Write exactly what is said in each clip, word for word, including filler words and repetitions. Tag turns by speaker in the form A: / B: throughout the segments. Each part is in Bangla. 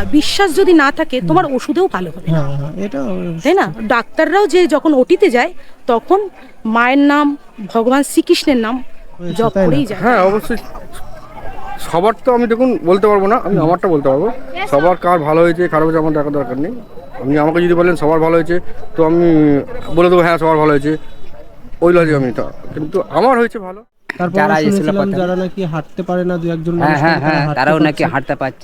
A: বিশ্বাস যদি না থাকে তোমার ওষুধেও ভালো হবে না, তাই না? ডাক্তাররাও যে যখন ওটিতে যায় তখন মায়ের নাম, ভগবান শ্রীকৃষ্ণের নাম জপ করেই যায়।
B: হ্যাঁ অবশ্যই, সবার তো আমি দেখুন বলতে পারবো না, আমি আমারটা বলতে পারবো। সবার কার ভালো হয়েছে খারাপ হয়েছে আমার দেখার দরকার নেই। আপনি আমাকে যদি বলেন সবার ভালো হয়েছে তো আমি বলে দেবো হ্যাঁ সবার ভালো হয়েছে, ওই লজিক আমি তা, কিন্তু আমার হয়েছে ভালো।
C: যারা শুনেছিলাম যারা নাকি হাঁটতে পারে না, দু একজন
D: হ্যাঁ হ্যাঁ হ্যাঁ তারাও নাকি হাঁটতে পারছে।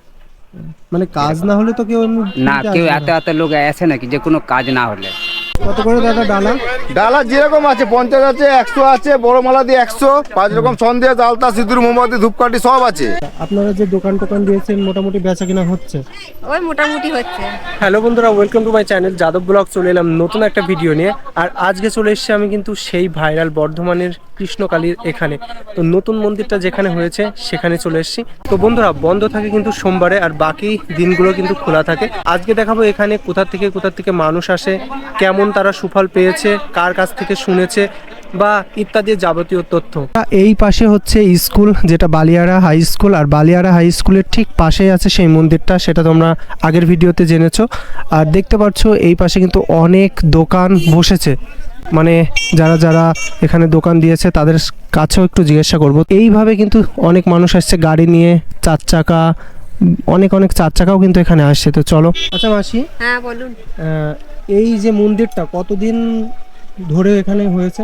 C: মানে কাজ না হলে তো কেউ
D: না, কেউ এত এত লোক আসে নাকি যে কোনো কাজ না হলে।
C: কত করে দাদা ডালা?
B: ডালা যেরকম আছে পঞ্চাশ আছে, একশো আছে, বড় মালা দিয়ে একশো, পাঁচ রকম সন্দেশ, আলতা, সিঁদুর, মোমবাতি, ধূপকাঠি সব আছে।
C: আপনারা যে দোকান টোকান দিয়েছেন মোটামুটি বেচা কিনা হচ্ছে?
E: ওই মোটামুটি হচ্ছে।
C: হ্যালো বন্ধুরা, welcome to my channel Yadav blog. চলে এলাম নতুন একটা ভিডিও নিয়ে। আর আজকে চলে এসেছি আমি কিন্তু সেই ভাইরাল বর্ধমানের কৃষ্ণকালীর এখানে। তো নতুন মন্দিরটা যেখানে হয়েছে সেখানে চলে এসেছি। তো বন্ধুরা বন্ধ থাকে কিন্তু সোমবারে, আর বাকি দিনগুলো কিন্তু খোলা থাকে। আজকে দেখাবো এখানে কোথা থেকে কোথা থেকে মানুষ আসে, কেমন তারা সুফল পেয়েছে, কার কাছ থেকে শুনেছে বা ইত্যাদি যাবতীয় তথ্য। এই পাশে হচ্ছে স্কুল, যেটা বালিয়াড়া হাই স্কুল, আর বালিয়াড়া হাই স্কুলের ঠিক পাশেই আছে সেই মন্দিরটা, সেটা তোমরা আগের ভিডিওতে জেনেছো। আর দেখতে পাচ্ছ এই পাশে কিন্তু অনেক দোকান বসেছে, মানে যারা যারা এখানে দোকান দিয়েছে তাদের কাছেও একটু জিজ্ঞাসা করব। এইভাবে কিন্তু অনেক মানুষ আসছে গাড়ি নিয়ে, চার চাকা, অনেক অনেক চার চাকাও কিন্তু এখানে আসছে। তো চলো। আচ্ছা মাসি,
E: হ্যাঁ বলুন।
C: এই যে মন্দিরটা কতদিন ধরে এখানে হয়েছে?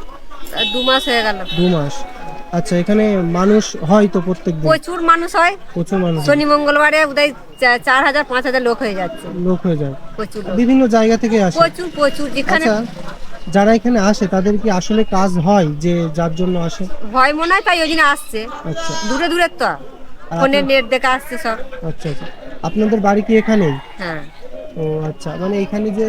E: দু মাস হয়ে গেল।
C: দু মাস। আচ্ছা, এখানে মানুষ হয় তো প্রত্যেকদিন?
E: প্রচুর মানুষ হয়,
C: প্রচুর মানুষ।
E: শনি মঙ্গলবারে উদয় চার হাজার পাঁচ হাজার লোক হয়ে যাচ্ছে।
C: লোক হয়ে যায়
E: প্রচুর,
C: বিভিন্ন জায়গা থেকে আসে।
E: প্রচুর প্রচুর। যেখানে
C: আচ্ছা, যারা এখানে আসে তাদের কি আসলে কাজ হয় যে যার জন্য আসে?
E: ভয় মনে হয় তাই ওই জন্য আসছে।
C: আচ্ছা,
E: দূরে দূরে তো ফোনে নেট দেখে আসছে সব।
C: আচ্ছা আচ্ছা। আপনাদের বাড়ি কি এখানেই?
E: হ্যাঁ।
C: ও আচ্ছা, মানে এখানে যে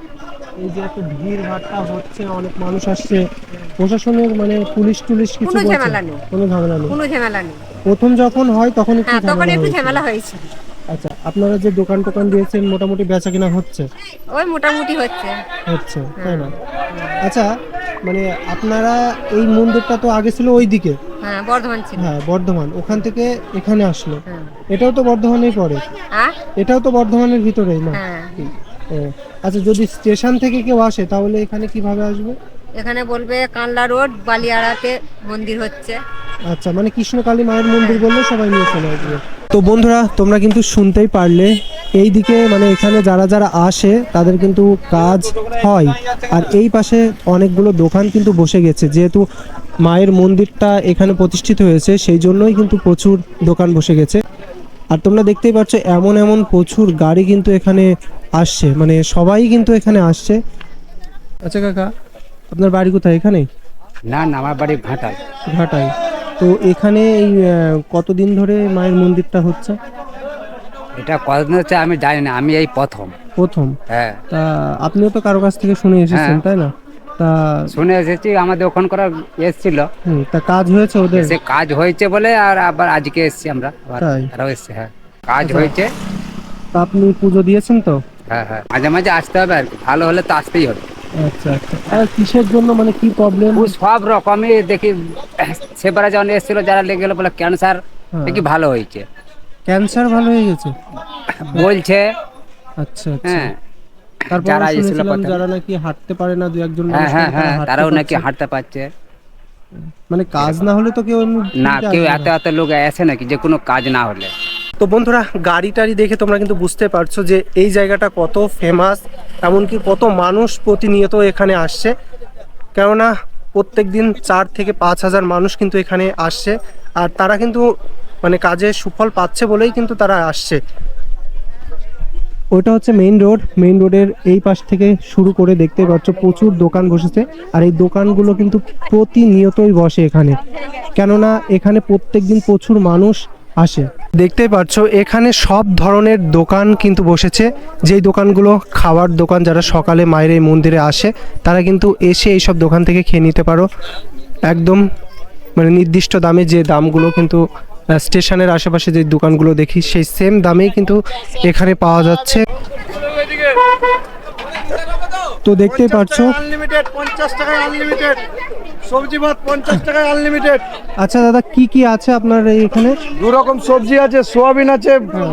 C: এই যে একটা ভিড় ভাট্টা হচ্ছে, অনেক মানুষ আসছে, প্রশাসনের মানে পুলিশ টুলিশ কিছু
E: কোনো
C: বলছে?
E: ঝামেলা নেই,
C: কোনো ঝামেলা নেই।
E: কোনো ঝামেলা নেই।
C: প্রথম যখন হয় তখন একটু
E: হ্যাঁ, তখন
C: ঝামেলা
E: একটু
C: হয়েছে।
E: ঝামেলা হয়েছে।
C: আচ্ছা, আপনারা যে দোকান টোকান দিয়েছেন মোটামুটি বেচা কিনা হচ্ছে?
E: ওই মোটামুটি হচ্ছে।
C: হচ্ছে, তাই না? আচ্ছা, মানে আপনারা এই মন্দিরটা তো আগে ছিল ওইদিকে,
E: হ্যাঁ বর্ধমান ছিল।
C: হ্যাঁ বর্ধমান, ওখান থেকে এখানে আসলো।
E: হ্যাঁ।
C: এটাও তো বর্ধমানেই পড়ে?
E: হ্যাঁ,
C: এটাও তো বর্ধমানের ভিতরেই না?
E: হ্যাঁ।
C: ও আচ্ছা, যদি স্টেশন থেকে কেউ আসে তাহলে এখানে কিভাবে আসবে?
E: এখানে বলবে কানলা রোড বালিয়াড়াতে মন্দির হচ্ছে।
C: আচ্ছা, মানে কৃষ্ণকালী মায়ের মন্দির বললে সবাই নিয়ে চলে আসবে। তো বন্ধুরা তোমরা কিন্তু শুনতেই পারলে, এই দিকে মানে এখানে যারা যারা আসে তাদের কিন্তু কাজ হয়। আর এই পাশে অনেকগুলো দোকান কিন্তু বসে গেছে, যেহেতু মায়ের মন্দিরটা এখানে প্রতিষ্ঠিত হয়েছে সেই জন্যই কিন্তু প্রচুর দোকান বসে গেছে। আর তোমরা দেখতেই পাচ্ছ এমন এমন প্রচুর গাড়ি কিন্তু এখানে আসছে, মানে সবাই কিন্তু এখানে আসছে। আচ্ছা কাকা, আপনার বাড়ি কোথায়? এখানেই?
D: না না, আমার বাড়ি ঘাটাল।
C: ঘাটাই। তো এখানে এই কতদিন ধরে মায়ের মন্দিরটা হচ্ছে?
D: এটা কতদিন হচ্ছে আমি জানি না, আমি এই প্রথম
C: প্রথম।
D: হ্যাঁ।
C: তা আপনিও তো কারো কাছ থেকে শুনে এসেছেন,
D: হ্যাঁ।
C: তাই না? তা
D: শুনে এসেছি, আমাদের ওখান করা এসেছিল।
C: হুম, তা কাজ হয়েছে ওদের?
D: সে কাজ হয়েছে বলে আর আবার আজকে এসেছি আমরা, আবার
C: তাই?
D: তারাও এসছে। হ্যাঁ, কাজ
C: আচ্ছা।
D: হয়েছে।
C: তা আপনি পুজো দিয়েছেন তো?
D: হ্যাঁ হ্যাঁ, মাঝে মাঝে আসতে হবে আর কি, ভালো হলে তো আসতেই হবে।
C: আচ্ছা আচ্ছা। আর কিসের জন্য, মানে কি প্রবলেম?
D: ও সব রকমই দেখি, সেবারে যখন এসেছিল যারা লেগে গেলো বলে ক্যান্সার, দেখি ভালো হয়েছে,
C: ক্যান্সার ভালো হয়ে গেছে
D: বলছে।
C: আচ্ছা আচ্ছা।
D: হ্যাঁ,
C: তারপর
D: যারা এসেছিল
C: শুনেছিলাম
D: প্রথমে।
C: যারা নাকি হাঁটতে পারে না, দু একজন
D: হ্যাঁ
C: মানুষ
D: হ্যাঁ
C: নাকি
D: হ্যাঁ,
C: তারা হাঁটতে
D: তারাও নাকি
C: পারছে।
D: হাঁটতে পারছে।
C: মানে কাজ না হলে তো কেউ এমনি
D: না,
C: ফ্রিতে
D: কেউ
C: আসবে
D: এত
C: না।
D: এত লোক আসে নাকি যে কোনো কাজ না হলে।
C: তো বন্ধুরা গাড়ি টাড়ি দেখে তোমরা কিন্তু বুঝতে পারছো যে এই জায়গাটা কত ফেমাস, এমনকি কত মানুষ প্রতিনিয়ত এখানে আসছে। কেননা প্রত্যেক দিন চার থেকে পাঁচ হাজার মানুষ কিন্তু এখানে আসছে, আর তারা কিন্তু মানে কাজে সুফল পাচ্ছে বলেই কিন্তু তারা আসছে। ওইটা হচ্ছে মেইন রোড, মেইন রোডের এই পাশ থেকে শুরু করে দেখতে পাচ্ছ প্রচুর দোকান বসেছে। আর এই দোকানগুলো কিন্তু প্রতিনিয়তই বসে এখানে, কেননা এখানে প্রত্যেক দিন প্রচুর মানুষ আসে। দেখতেই পাচ্ছ এখানে সব ধরনের দোকান কিন্তু বসেছে, যেই দোকানগুলো খাওয়ার দোকান, যারা সকালে মায়ের এই মন্দিরে আসে তারা কিন্তু এসে এইসব দোকান থেকে খেয়ে নিতে পারো একদম মানে নির্দিষ্ট দামে। যে দামগুলো কিন্তু স্টেশনের আশেপাশে যে দোকানগুলো দেখি সেই সেম দামেই কিন্তু এখানে পাওয়া যাচ্ছে। তো দেখতেই পাচ্ছ
B: আনলিমিটেড, পঞ্চাশ টাকায় আনলিমিটেড। সবজি ভাত পঞ্চাশ টাকায় আনলিমিটেড।
C: আচ্ছা দাদা, কি কি আছে আপনার এখানে?
B: দু রকম সবজি আছে, সোয়াবিন আছে,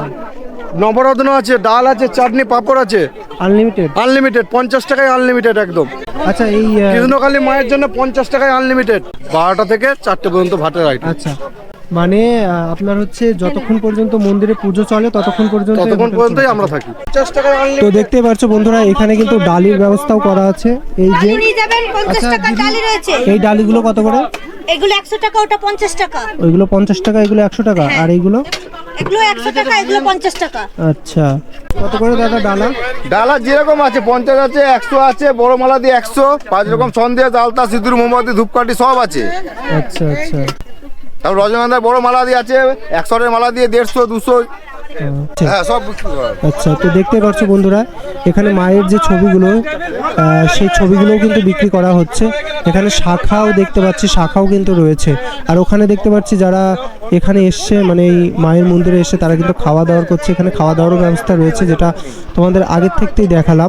B: নবরত্ন আছে, ডাল আছে, চাটনি পাঁপড় আছে,
C: আনলিমিটেড।
B: আনলিমিটেড পঞ্চাশ টাকায় আনলিমিটেড একদম।
C: আচ্ছা, এই আহ,
B: কৃষ্ণকালী মায়ের জন্য পঞ্চাশ টাকায় আনলিমিটেড, বারোটা থেকে চারটে পর্যন্ত ভাতের আইটেম।
C: আচ্ছা, মানে আহ, আপনার হচ্ছে যতক্ষণ পর্যন্ত মন্দিরে পুজো চলে ততক্ষণ পর্যন্ত
B: ততক্ষণ পর্যন্তই আমরা থাকি। পঞ্চাশ টাকায়
C: তো
B: আনলিমিটেড।
C: দেখতে পাচ্ছ বন্ধুরা, এখানে কিন্তু ডালির ব্যবস্থাও করা আছে। এই যে আচ্ছা, দিদি, এই ডালিগুলো কত করে?
F: এগুলো একশো টাকা, ওটা পঞ্চাশ টাকা।
C: ওইগুলো পঞ্চাশ টাকা, এগুলো একশো টাকা, আর এইগুলো
F: এগুলো একশো টাকা, এগুলো পঞ্চাশ টাকা।
C: আচ্ছা, কত করে দাদা ডালা?
B: ডালা যেরকম আছে পঞ্চাশ আছে, একশো আছে, বড় মালা দিয়ে একশো, পাঁচ রকম সন্দেশ, আলতা, সিঁদুর, মোমবাতি, ধূপকাঠি সব আছে।
C: আচ্ছা আচ্ছা
B: তারপর রজনীগন্ধার বড় মালা দিয়ে আছে, একশোর মালা দিয়ে দেড়শো, দুশো,
C: আচ্ছা।
B: হ্যাঁ সব বিক্রি করা হয়।
C: আচ্ছা, তো দেখতে পাচ্ছ বন্ধুরা, এখানে মায়ের যে ছবিগুলো আহ, সেই ছবিগুলোও কিন্তু বিক্রি করা হচ্ছে। এখানে শাখাও দেখতে পাচ্ছি, শাখাও কিন্তু রয়েছে। আর ওখানে দেখতে পাচ্ছি যারা এখানে এসছে, মানে এই মায়ের মন্দিরে এসে তারা কিন্তু খাওয়া দাওয়া করছে। এখানে খাওয়া দাওয়ারও ব্যবস্থা রয়েছে, যেটা তোমাদের আগের থেকেই দেখালাম।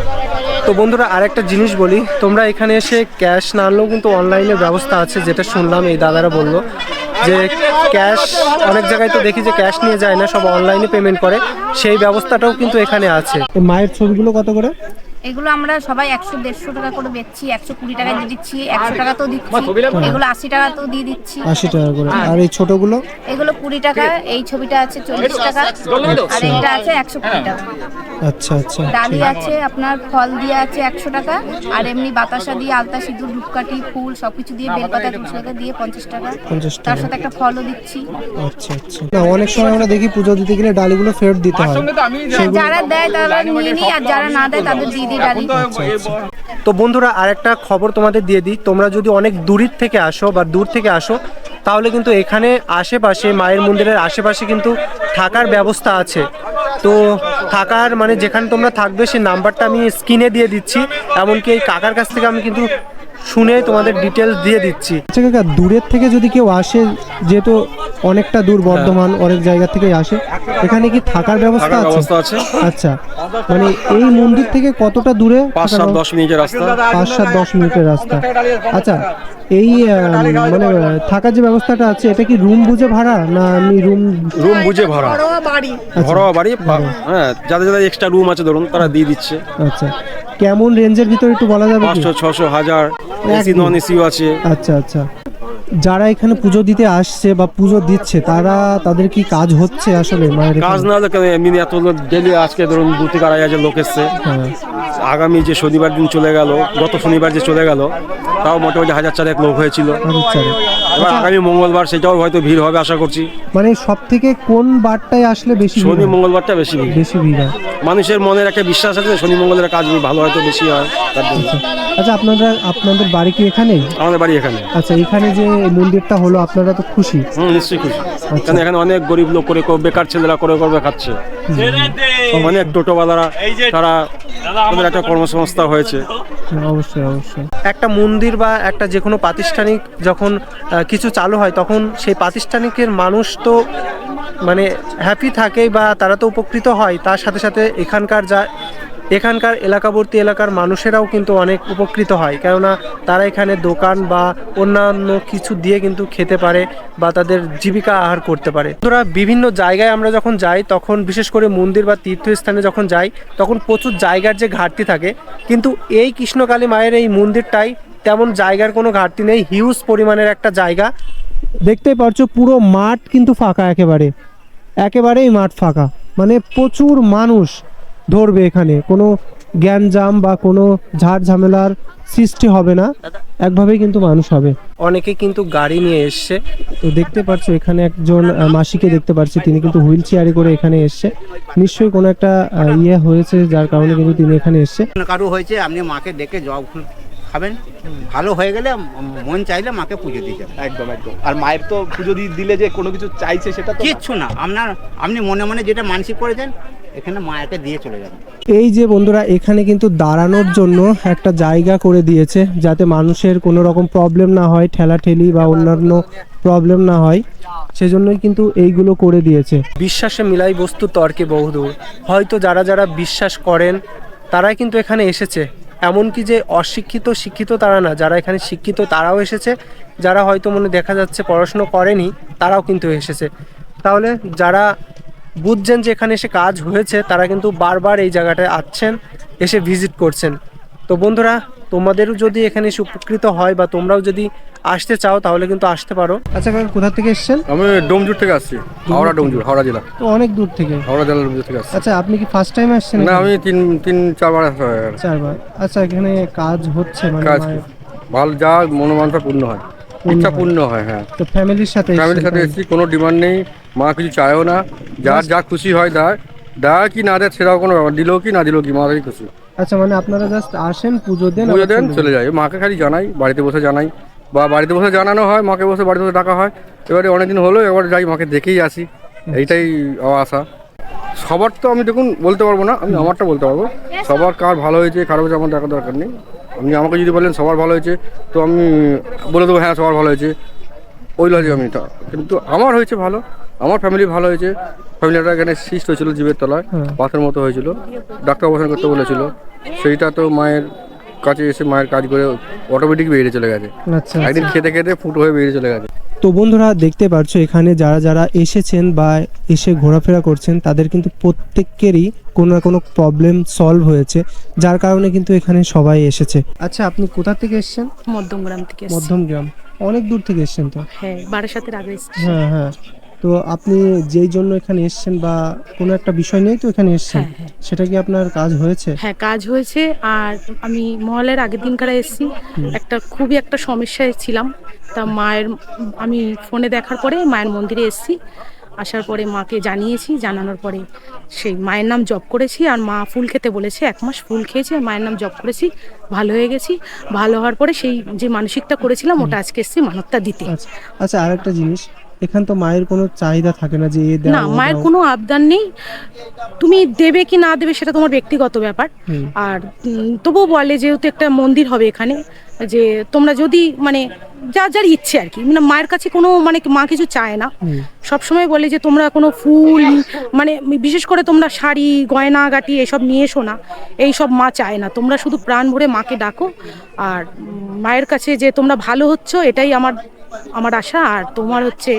C: তো বন্ধুরা, আরেকটা জিনিস বলি, তোমরা এখানে এসে ক্যাশ না আনলেও কিন্তু অনলাইনের ব্যবস্থা আছে, যেটা শুনলাম এই দাদারা বললো যে ক্যাশ অনেক জায়গায় তো দেখি যে ক্যাশ নিয়ে যায় না, সব অনলাইনে পেমেন্ট করে, সেই ব্যবস্থাটাও কিন্তু এখানে আছে। মায়ের ছবিগুলো কত করে?
G: এগুলো আমরা সবাই একশো দেড়শো টাকা করে বেচছি, একশো কুড়ি টাকায় দিয়ে দিচ্ছি, একশো টাকাতেও দিচ্ছি, এগুলো আশি টাকাতেও দিয়ে দিচ্ছি।
C: আশি টাকা করে। আর এই ছোটগুলো?
G: এগুলো কুড়ি টাকা, এই ছবিটা আছে চল্লিশ টাকা, আর এইটা আছে একশো কুড়ি টাকা।
C: আচ্ছা আচ্ছা,
G: ডালি আছে আপনার, ফল দিয়ে আছে একশো টাকা, আর এমনি বাতাসা দিয়ে, আলতা, সিঁদুর, ধূপকাঠি, ফুল সবকিছু দিয়ে, বেলপাতা তুলসী পাতা দিয়ে পঞ্চাশ টাকা,
C: পঞ্চাশ
G: তার
C: টাকা।
G: সাথে একটা ফলও দিচ্ছি।
C: আচ্ছা আচ্ছা। না, অনেক সময় আমরা দেখি পুজো দিতে গেলে ডালিগুলো ফেরত দিতে হয়।
G: যারা দেয় তারা নিয়ে নিই, আর যারা না দেয় তাদের দিয়ে দিই ডালি।
C: তো বন্ধুরা, আরেকটা খবর তোমাদের দিয়ে দিই, তোমরা যদি অনেক দূরের থেকে আসো বা দূর থেকে আসো, তাহলে কিন্তু এখানে আশেপাশে মায়ের মন্দিরের আশেপাশে কিন্তু থাকার ব্যবস্থা আছে। তো থাকার মানে যেখানে তোমরা থাকবে সেই নাম্বারটা আমি স্ক্রিনে দিয়ে দিচ্ছি, এমনকি এই কাকার কাছ থেকে আমি কিন্তু শুনে তোমাদের ডিটেলস দিয়ে দিচ্ছি। আচ্ছা কাকা, দূরের থেকে যদি কেউ আসে, যেহেতু অনেকটা দূর বর্ধমান, অনেক জায়গা থেকে আসে, এখানে কি থাকার ব্যবস্থা আছে? আচ্ছা, মানে এই মন্দির থেকে কতটা দূরে?
B: পাঁচ সাত দশ মিনিটের রাস্তা।
C: পাঁচ সাত দশ মিনিটের রাস্তা। আচ্ছা, এই আহ, মানে আহ, থাকার যে ব্যবস্থাটা আছে, এটা কি রুম বুঝে ভাড়া না আমি রুম?
B: রুম বুঝে ভাড়া, ঘরোয়া বাড়ি, হ্যাঁ, যাদের যাদের এক্সট্রা রুম আছে ধরুন তারা দিয়ে দিচ্ছে।
C: আচ্ছা, কেমন রেঞ্জের ভিতরে একটু বলা যাবে কি?
B: পাঁচশো, ছশো, হাজার, এসি নন এসিও আছে।
C: আচ্ছা আচ্ছা। যারা এখানে পুজো দিতে আসছে বা পুজো দিচ্ছে, তারা তাদের কি কাজ হচ্ছে আসলে মায়ের এখানে?
B: কাজ না হলে কেন, এমনি এত ডেলি আজকে ধরুন দু থেকে আড়াই হাজার লোক এসছে।
C: হ্যাঁ।
B: আগামী যে শনিবার দিন চলে গেল, গত শনিবার যে চলে গেল, তাও মোটামুটি হাজার চারেক লোক হয়েছিল।
C: আচ্ছা।
B: এবার আগামী মঙ্গলবার সেটাও হয়তো ভিড় হবে আশা করছি।
C: মানে সব থেকে কোন বারটায় আসলে বেশি ভিড়
B: শনি
C: হয়?
B: মঙ্গলবারটা বেশি ভিড়।
C: বেশি ভিড় হয়।
B: মানুষের মনের একটা বিশ্বাস আছে শনি মঙ্গলের কাজ ভালো হয়তো বেশি হয় তার জন্য।
C: আচ্ছা, আপনারা আপনাদের বাড়ি কি এখানেই?
B: আমাদের বাড়ি এখানে।
C: আচ্ছা, এখানে যে মন্দিরটা হলো, আপনারা তো খুশি?
B: হুম, নিশ্চয়ই খুশি। কারণ এখানে অনেক গরিব লোক করে করে বেকার ছেলেরা করে করবে খাচ্ছে, অনেক টোটোওয়ালারা, তারা তাদের একটা কর্মসংস্থান হয়েছে।
C: অবশ্যই অবশ্যই। একটা মন্দির বা একটা যে কোনো প্রাতিষ্ঠানিক যখন আহ, কিছু চালু হয়, তখন সেই প্রাতিষ্ঠানিকের মানুষ তো মানে হ্যাপি থাকে বা তারা তো উপকৃত হয়, তার সাথে সাথে এখানকার যা এখানকার এলাকাবর্তী এলাকার মানুষেরাও কিন্তু অনেক উপকৃত হয়, কেননা তারা এখানে দোকান বা অন্যান্য কিছু দিয়ে কিন্তু খেতে পারে বা তাদের জীবিকা আহার করতে পারে। তোরা বিভিন্ন জায়গায় আমরা যখন যাই, তখন বিশেষ করে মন্দির বা তীর্থস্থানে যখন যাই, তখন প্রচুর জায়গার যে ঘাটতি থাকে, কিন্তু এই কৃষ্ণকালী মায়ের এই মন্দিরটাই তেমন জায়গার কোনো ঘাটতি নেই, হিউজ পরিমাণের একটা জায়গা। দেখতেই পারছো পুরো মাঠ কিন্তু ফাঁকা, একেবারে একেবারেই মাঠ ফাঁকা, মানে প্রচুর মানুষ ধরবে, এখানে কোনো জ্ঞানজাম বা কোনো ঝাড় ঝামেলার সৃষ্টি হবে না, একভাবেই কিন্তু মানুষ হবে। অনেকে কিন্তু গাড়ি নিয়ে এসছে, তো দেখতে পাচ্ছ এখানে একজন আহ, মাসিকে দেখতে পাচ্ছি, তিনি কিন্তু হুইল চেয়ারে করে এখানে এসছে, নিশ্চয়ই কোনো একটা আহ, ইয়ে হয়েছে যার কারণে কিন্তু তিনি এখানে এসছে।
H: কারো হয়েছে, আপনি মাকে ডেকে জবা ফুল খাবেন, ভালো হয়ে গেলে মন চাইলে মাকে পুজো দিয়ে যাবেন।
I: একদম একদম। আর মায়ের তো পুজো দিয়ে দিলে যে কোনো কিছু চাইছে সেটা তো
H: কিচ্ছু না, আপনার আপনি মনে মনে যেটা মানসিক করেছেন এখানে মায়াকে দিয়ে চলে যাবেন।
C: এই যে বন্ধুরা, এখানে কিন্তু দাঁড়ানোর জন্য একটা জায়গা করে দিয়েছে, যাতে মানুষের কোনো রকম প্রবলেম না হয়, ঠেলাঠেলি বা অন্যান্য প্রবলেম না হয়, সেজন্যই কিন্তু এইগুলো করে দিয়েছে। বিশ্বাসে মিলাই বস্তু তর্কে বহুদূর, হয়তো যারা যারা বিশ্বাস করেন তারাই কিন্তু এখানে এসেছে, এমনকি যে অশিক্ষিত শিক্ষিত তারা না, যারা এখানে শিক্ষিত তারাও এসেছে, যারা হয়তো মনে দেখা যাচ্ছে পড়াশুনো করেনি তারাও কিন্তু এসেছে। তাহলে যারা বুঝছেন যে এখানে এসে কাজ হয়েছে তারা কিন্তু বারবার এই জায়গাটায় আসছেন, এসে ভিজিট করছেন। তো বন্ধুরা, তোমাদেরও যদি এখানে এসে উপকৃত হয় বা তোমরাও যদি আসতে চাও তাহলে কিন্তু আসতে পারো। আচ্ছা কাকা, কোথা থেকে এসেছেন?
B: আমি ডোমজুর থেকে আসছি, হাওড়া ডোমজুর, হাওড়া জেলা।
C: তো অনেক দূর থেকে।
B: হাওড়া জেলার ডোমজুর থেকে আসছি।
C: আচ্ছা, আপনি কি ফার্স্ট টাইম আসছেন?
B: না, আমি তিন তিন চারবার আসা হয়ে গেল।
C: চারবার। আচ্ছা, এখানে কাজ হচ্ছে মানে
B: কাজ
C: মায়ের-
B: ভালো, যা মনোমানসা পূর্ণ হয়, ইচ্ছা পূর্ণ হয়। হ্যাঁ,
C: তো ফ্যামিলির সাথে
B: ফ্যামিলির সাথে এসেছি, কোনো ডিমান্ড নেই, মা কিছু চায়ও না, যার যা খুশি হয় দেয়, দেয় কি না দেয় সেটাও কোনো ব্যাপার, দিলেও কি না দিলেও কি, মাকেই খুশি।
C: আচ্ছা, মানে আপনারা জাস্ট আসেন, পুজো দেন,
B: পুজো
C: আবার
B: দেন,
C: চলে
B: চলে যায়। মাকে খালি জানাই, বাড়িতে বসে জানাই, বা বাড়িতে বসে জানানো হয়, মাকে বসে বাড়িতে বসে ডাকা হয়। এবারে অনেকদিন হলো, এবার যাই মাকে দেখেই আসি, এইটাই আমার আশা। সবার তো আমি দেখুন বলতে পারবো না, আমি আমারটা বলতে পারবো। সবার কার ভালো হয়েছে খারাপ হয়েছে আমার দেখার দরকার নেই। আপনি আমাকে যদি বলেন সবার ভালো হয়েছে, তো আমি বলে দেবো হ্যাঁ সবার ভালো হয়েছে, ওই লজে আমি তা। কিন্তু আমার হয়েছে ভালো, আমার ফ্যামিলি ভালো হয়েছে। ফ্যামিলিটা এখানে সিস্ট হয়েছিল জীবের তলায়, পাথরের মতো হয়েছিল, ডাক্তার অপারেশন করতে বলেছিল, সেইটা তো মায়ের কাছে এসে মায়ের কাজ করে অটোমেটিক বেরিয়ে চলে গেছে।
C: আচ্ছা,
B: একদিন খেতে খেতে ফুটো হয়ে বেরিয়ে চলে গেছে।
C: তো বন্ধুরা, দেখতে পাচ্ছ এখানে যারা যারা এসেছেন বা এসে ঘোরাফেরা করছেন তাদের কিন্তু প্রত্যেকেরই কোনো না কোনো প্রবলেম সলভ হয়েছে, যার কারণে কিন্তু এখানে সবাই এসেছে। আচ্ছা, আপনি কোথা থেকে এসেছেন?
A: মধ্যমগ্রাম থেকে এসেছি।
C: মধ্যমগ্রাম, অনেক দূর থেকে এসেছেন তো।
A: হ্যাঁ, বারাসাতের আগে এসেছি।
C: হ্যাঁ হ্যাঁ। তো আপনি যেই জন্য এখানে এসেছেন বা কোনো একটা বিষয় নিয়েই তো এখানে এসেছেন,
A: হ্যাঁ, হ্যাঁ।
C: সেটা কি আপনার কাজ হয়েছে?
A: হ্যাঁ, কাজ হয়েছে। আর আমি মহলের আগের দিনকার এসেছি, একটা খুবই একটা সমস্যায় ছিলাম। তা মায়ের, আমি ফোনে দেখার পরে মায়ের মন্দিরে এসেছি, আসার পরে মাকে জানিয়েছি, জানানোর পরে সেই মায়ের নাম জপ করেছি। আর মা ফুল খেতে বলেছে, এক মাস ফুল খেয়েছি, আর মায়ের নাম জপ করেছি, ভালো হয়ে গেছি। ভালো হওয়ার পরে সেই যে মানসিকটা করেছিলাম ওটা আজকে এসেছি মানবটা দিতে।
C: আচ্ছা আচ্ছা, আরেকটা জিনিস, এখান তো মায়ের কোনো চাহিদা থাকে না যে এ দাও,
A: না,
C: ও
A: মায়ের
C: দাও।
A: কোনো আবদার নেই, তুমি দেবে কি না দেবে সেটা তোমার ব্যক্তিগত ব্যাপার। আর উম, তবুও বলে যেহেতু একটা মন্দির হবে এখানে, যে তোমরা যদি মানে যার যার ইচ্ছে আর কি, মানে মায়ের কাছে কোনো মানে মা কিছু চায় না। সবসময় বলে যে তোমরা কোনো ফুল মানে বিশেষ করে তোমরা শাড়ি গয়না গাটি এসব নিয়ে এসো না, এইসব মা চায় না। তোমরা শুধু প্রাণ ভরে মাকে ডাকো, আর উম, মায়ের কাছে যে তোমরা ভালো হচ্ছ এটাই আমার আমার আশা। আর তোমার হচ্ছে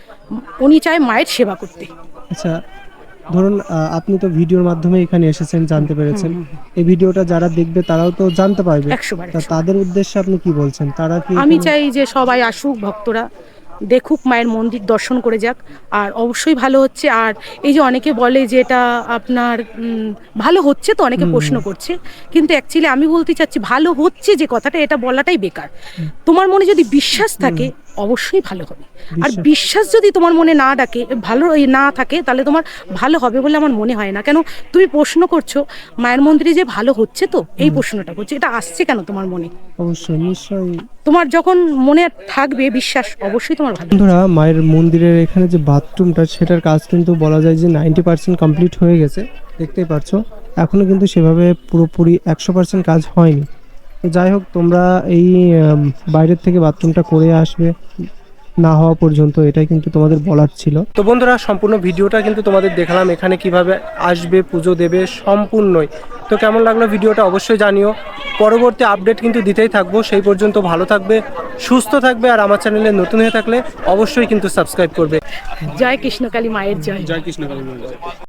A: উনি চায় মায়ের সেবা করতে।
C: আচ্ছা, ধরুন আহ, আপনি তো ভিডিওর মাধ্যমে এখানে এসেছেন, জানতে পেরেছেন, এই ভিডিওটা যারা দেখবে তারাও তো জানতে পারবে।
A: একশো বার
C: তা তাদের উদ্দেশ্যে আপনি কি বলছেন? তারা কি
A: আমি
C: কোনো-
A: চাই যে সবাই আসুক, ভক্তরা দেখুক, মায়ের মন্দির দর্শন করে যাক, আর অবশ্যই ভালো হচ্ছে। আর এই যে অনেকে বলে যে এটা আপনার উম, ভালো হচ্ছে, তো অনেকে প্রশ্ন করছে, কিন্তু অ্যাকচুয়ালি আমি বলতে চাচ্ছি ভালো হচ্ছে যে কথাটা, এটা বলাটাই বেকার। তোমার মনে যদি বিশ্বাস থাকে অবশ্যই ভালো হবে। আর বিশ্বাস যদি তোমার মনে না ডাকে ভালো এই না থাকে, তাহলে তোমার ভালো হবে বলে আমার মনে হয় না। কেন তুমি প্রশ্ন করছো মায়ের মন্দিরে যে ভালো হচ্ছে, তো এই প্রশ্নটা করছো, এটা আসছে কেন তোমার মনে?
C: অবশ্যই, নিশ্চয়ই।
A: তোমার যখন মনে থাকবে বিশ্বাস, অবশ্যই তোমার ভালো।
C: বন্ধুরা, মায়ের মন্দিরের এখানে যে বাথরুমটা, সেটার কাজ কিন্তু বলা যায় যে নাইনটি পার্সেন্ট কমপ্লিট হয়ে গেছে, দেখতেই পাচ্ছ। এখনো কিন্তু সেভাবে পুরোপুরি একশো পার্সেন্ট কাজ হয়নি। তো যাই হোক, তোমরা এই আম, বাইরের থেকে বাথরুমটা করে আসবে না হওয়া পর্যন্ত, এটাই কিন্তু তোমাদের বলার ছিল। তো বন্ধুরা, সম্পূর্ণ ভিডিওটা কিন্তু তোমাদের দেখালাম, এখানে কিভাবে আসবে, পুজো দেবে, সম্পূর্ণই। তো কেমন লাগলো ভিডিওটা অবশ্যই জানিও। পরবর্তী আপডেট কিন্তু দিতেই থাকবো। সেই পর্যন্ত ভালো থাকবে, সুস্থ থাকবে, আর আমার চ্যানেলে নতুন হয়ে থাকলে অবশ্যই কিন্তু সাবস্ক্রাইব করবে।
A: জয় কৃষ্ণকালী মায়ের জয়।
I: জয় কৃষ্ণ কালী।